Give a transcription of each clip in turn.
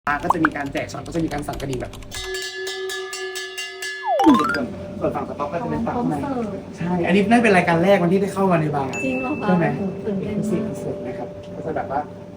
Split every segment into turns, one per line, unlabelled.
ก็จะมีการแจกช็อตก็จะมีการสั่นกระดิ่งแบบส่วนฝั่งสต็อกก็จะเป็นฝั่งในใช่ อันนี้น่าเป็นรายการแรกวันที่ได้เข้ามาในบาร์
จริงเหรอคะ
ใช่ไหม
ตื่นเต้น
พิเศ
มา
ษ
ก
พิเศษนะครับก็จะแบบว่า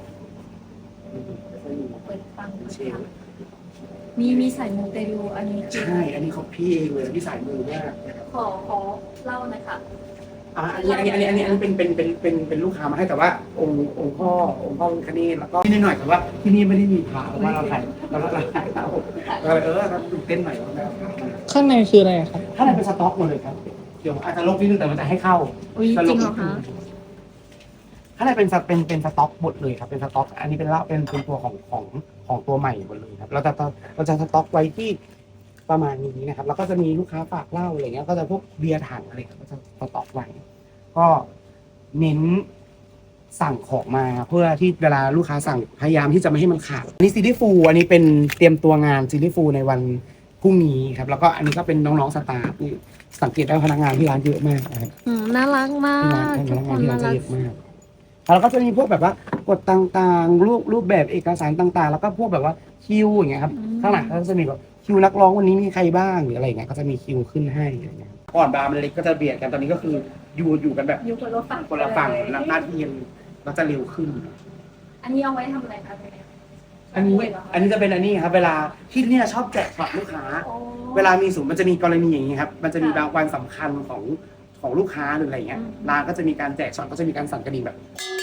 เปิดฟัง
เชล
มีสายมูเตลูอันนี้คือ
ใช่อันนี้เขาพี่เองเลยที่สายมือมากนะครับ
ขอเล่าหนะคะ
อันนี้เป็นลูกค้ามาให้แต่ว่าองค์พ่อคเนศแล้วก็นิดหน่อยแต่ว่าที่นี่ไม่ได้มีพระเพราะว่าเราขายเราขายเราเราตื่นเต้นหน่อยนะครับ
ข้างในคืออะไรครับ
ถ้าไหนเป็นสต็อกหมดเลยครับเดี๋ยวอาจจะลบนิดนึงแต่มันจะให้เข้า
อุ๊ยจริงเหรอคะ
ถ้าไหนเป็นสต็อกหมดเลยครับเป็นสต็อกอันนี้เป็นเหล้าเป็นตัวของตัวใหม่หมดเลยครับเราจะสต็อกไว้ที่ประมาณนี้นะครับแล้วก็จะมีลูกค้าฝากเหล้าอะไรเงี้ยก็จะพวกเบียร์ถังอะไรก็จะสต็อกไว้ก็เน้นสั่งของมาเพื่อที่เวลาลูกค้าสั่งพยายามที่จะไม่ให้มันขาดอันนี้ซีรีส์ฟูลอันนี้เป็นเตรียมตัวงานซีรีส์ฟูลในวันพรุ่งนี้ครับแล้วก็อันนี้ก็เป็นน้องๆสตาฟที่สังเกตได้พนักงานที่ร้านเยอะมากนะครับ
น่ารักมา
ที่ร้าน
ก
พ
ทุ
นั
ก
ก
ค
งาน
น
ที่ร้าน
น่า
จะ
รัก
เยอะมากแล้วก็จะมีพวกแบบว่ากฎต่างๆรูปแบบเอกสารต่างๆ แล้วก็พวกแบบว่าคิวอย่างเงี้ยครับข้างหลังก็จะมีแบบคิวนักร้องวันนี้มีใครบ้างหรืออะไรอย่างเงี้ยก็จะมีคิวขึ้นให้อะไรเงี้ยครับก่อนบาร์มันเล็กก็จะเบียดกันตอนนี้ก็คืออยู่กันแบบ
อยู่คนละฝั่ง
คนละฝั่งแล้วหน้าที่ก็จะเร็วขึ้น
อันนี้เอาไว้ทำอะไรคะ
อันนี้จะเป็นอันนี้ครับเวลาที่เนี่ยชอบแจกช็อตลูกค้า เวลามีมันจะมีกรณีอย่างนี้ครับมันจะมีบางวันสำคัญของลูกค้าหรืออะไรเงี้ยร้านก็จะมีการแจกช็อตก็จะมีการสั่นกระดิ่งแบบ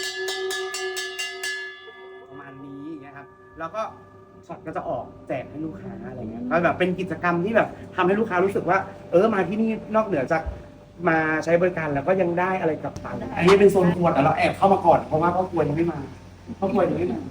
ประมาณนี้อย่างเงี้ยครับแล้วก็ช็อตก็จะออกแจกให้ลูกค้าอะไรเงี้ยก็แบบเป็นกิจกรรมที่แบบทำให้ลูกค้ารู้สึกว่ามาที่นี่นอกเหนือจากมาใช้บริการแล้วก็ยังได้อะไรกลับไปอันนี้เป็นโซนครัวแต่เราแอบเข้ามาก่อนเพราะว่าพ่อครัวยังไม่มาพ่อครัวยังไม่มา